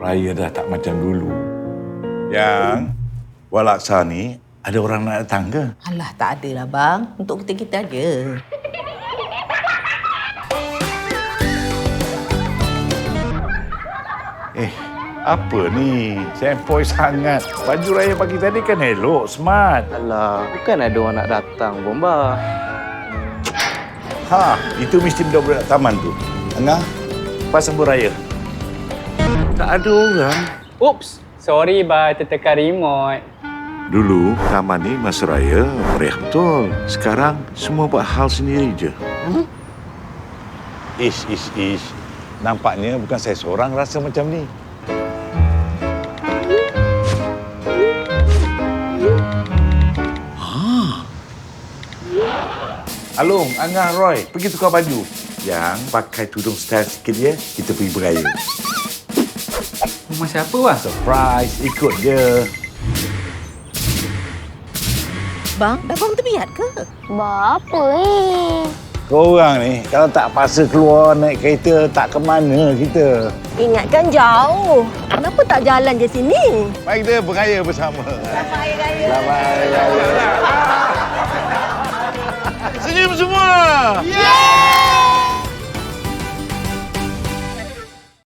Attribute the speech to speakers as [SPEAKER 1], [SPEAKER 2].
[SPEAKER 1] raya dah tak macam dulu. Yang buat laksa ni, ada orang nak datang ke?
[SPEAKER 2] Alah, tak ada lah, bang. Untuk kita-kita aja.
[SPEAKER 1] Apa ni? Sempoi sangat. Baju raya pagi tadi kan elok, smart.
[SPEAKER 3] Alah, bukan ada orang nak datang, Bomba.
[SPEAKER 1] Itu mesti budak-budak taman tu. Angah, pas sambut raya. Tak ada orang.
[SPEAKER 4] Oops, sorry ba, tertekan remote.
[SPEAKER 1] Dulu, taman ni masa raya meriah betul. Sekarang, semua buat hal sendiri je. Ish. Nampaknya bukan saya seorang rasa macam ni. Alung, Angah, Roy, pergi tukar baju. Yang pakai tudung style sikit dia, kita pergi beraya.
[SPEAKER 4] Rumah siapa, Wah?
[SPEAKER 1] Surprise, ikut je.
[SPEAKER 2] Bang, dah bangun terbiat ke?
[SPEAKER 5] Apa ni?
[SPEAKER 1] Korang ni, kalau tak paksa keluar naik kereta, tak ke mana kita.
[SPEAKER 5] Ingatkan jauh. Kenapa tak jalan je sini?
[SPEAKER 1] Mari kita beraya bersama.
[SPEAKER 5] Selamat Hari Raya.
[SPEAKER 1] Selamat Hari Raya.